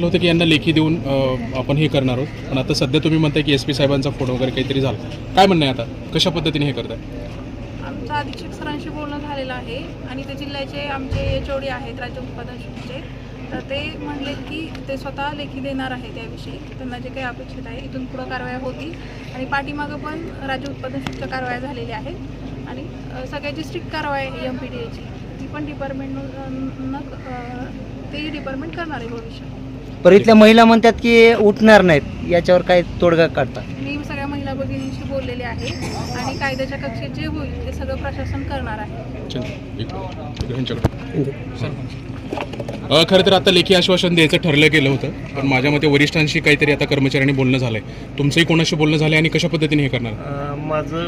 म्हटलं होतं की यांना लेखी देऊन आपण हे करणार आहोत, पण आता सध्या तुम्ही म्हणताय की SP साहेबांचा फोन वगैरे काहीतरी झाला. काय म्हणणं आहे आता, कशा पद्धतीने हे करताय? आमचं अधीक्षक सरांशी बोलणं झालेलं आहे आणि ते जिल्ह्याचे आमचे HOD आहेत राज्य उत्पादन शुल्कचे, तर ते म्हणले की ते स्वतः लेखी देणार आहे त्याविषयी. त्यांना जे काही अपेक्षित आहे इथून पुढं कारवाया होतील आणि पाठीमागं पण राज्य उत्पादन शुल्क कारवाया झालेल्या आहेत आणि सगळ्याची स्ट्रिक्ट कारवाई आहे MPDAची, ती पण ते डिपार्टमेंट करणार आहे भविष्यात. पर इथल्या महिला म्हणतात की उठणार नाहीत, याच्यावर काय तोडगा काढता? मी सगळ्या महिला भगिनींशी बोललेले आहे आणि कायद्याच्या कक्षेत जे होईल ते सगळं प्रशासन करणार आहे. खरं तर आता लेखी आश्वासन द्यायचं ठरलं गेलं होतं, पण माझ्या मते वरिष्ठांशी काहीतरी आता कर्मचाऱ्यांनी बोलणं झालंय. तुमचंही कोणाशी बोलणं झालंय आणि कशा पद्धतीने हे करणार? माझं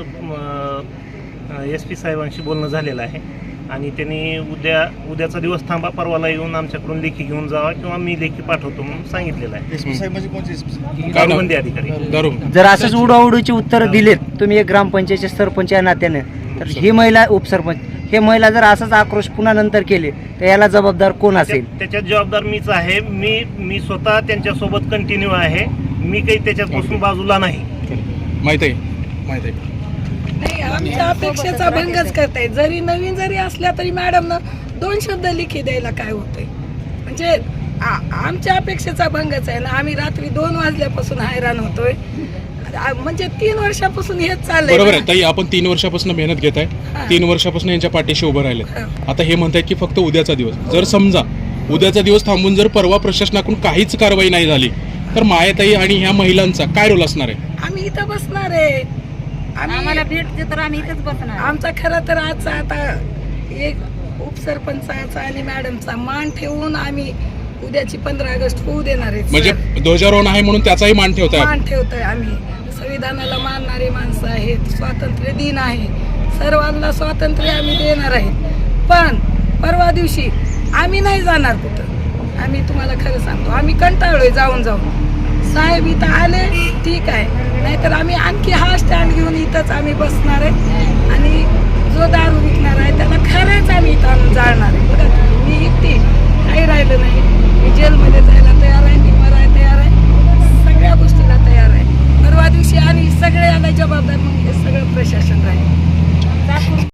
SP साहेबांशी बोलणं झालेलं आहे आणि त्यांनी उद्याचा दिवस थांबा, परवाला येऊन आमच्याकडून लेखी घेऊन जावा किंवा मी लेखी पाठवतो म्हणून सांगितलेलं आहे. दारूबंदी अधिकारी. जर असंच उडाउडीची उत्तरं दिलेत तुम्ही एक ग्रामपंचायतचे सरपंच या नात्याने, तर ही महिला उपसरपंच हे महिला जर असाच आक्रोश पुन्हा नंतर केले तर याला जबाबदार कोण असेल? त्याच्यात जबाबदार मीच आहे. मी स्वतः त्यांच्यासोबत कंटिन्यू आहे. मी काही त्याच्यापासून बाजूला नाही. माहित आहे नाही, आमच्या अपेक्षेचा भंगच करताय. जरी नवीन जरी असल्या तरी मॅडमनं 2 शब्द लिखी द्यायला काय होतंय? म्हणजे आमच्या अपेक्षेचा भंगच आहे ना. आम्ही रात्री 2 वाजल्यापासून हैराण होतोय. म्हणजे 3 वर्षापासून हेच चाललंय. बरोबर आहे ताई, आपण 3 वर्षापासून मेहनत घेत आहे, 3 वर्षापासून यांच्या पाठीशी उभं राहिले. आता हे म्हणतायत की फक्त उद्याचा दिवस, जर समजा उद्याचा दिवस थांबून जर परवा प्रशासनाकडून काहीच कारवाई नाही झाली तर मायाताई आणि ह्या महिलांचा काय रोल असणार आहे? आम्ही इथं बसणार आहे. आम्हाला भेटते तर आम्ही इथंच बसणार. आमचा खरं तर आजचा आता एक उपसरपंचाचा आणि मॅडमचा मान ठेवून आम्ही उद्याची 15 ऑगस्ट होऊ देणार आहे. म्हणजे ध्वजारोहण आहे म्हणून त्याचाही मान ठेवताय? मान ठेवतोय आम्ही. संविधानाला मानणारे माणसं आहेत. स्वातंत्र्य दिन आहे, सर्वांना स्वातंत्र्य आम्ही देणार आहे. पण परवा दिवशी आम्ही नाही जाणार कुठं. आम्ही तुम्हाला खरं सांगतो, आम्ही कंटाळलोय जाऊन. साहेब इथं आले ठीक आहे, नाहीतर आम्ही आणखी हा स्टँड घेऊन इथंच आम्ही बसणार आहे आणि जो दारू विकणार आहे त्याला खरंच आम्ही इथं आणून जाळणार आहे. बघा मी एकटी काही राहिलं नाही. मी जेलमध्ये जायला तयार आहे, मी मरायला तयार आहे, सगळ्या गोष्टीला तयार आहे. परवा दिवशी आणि सगळ्याला जबाबदार मग हे सगळं प्रशासन राहील.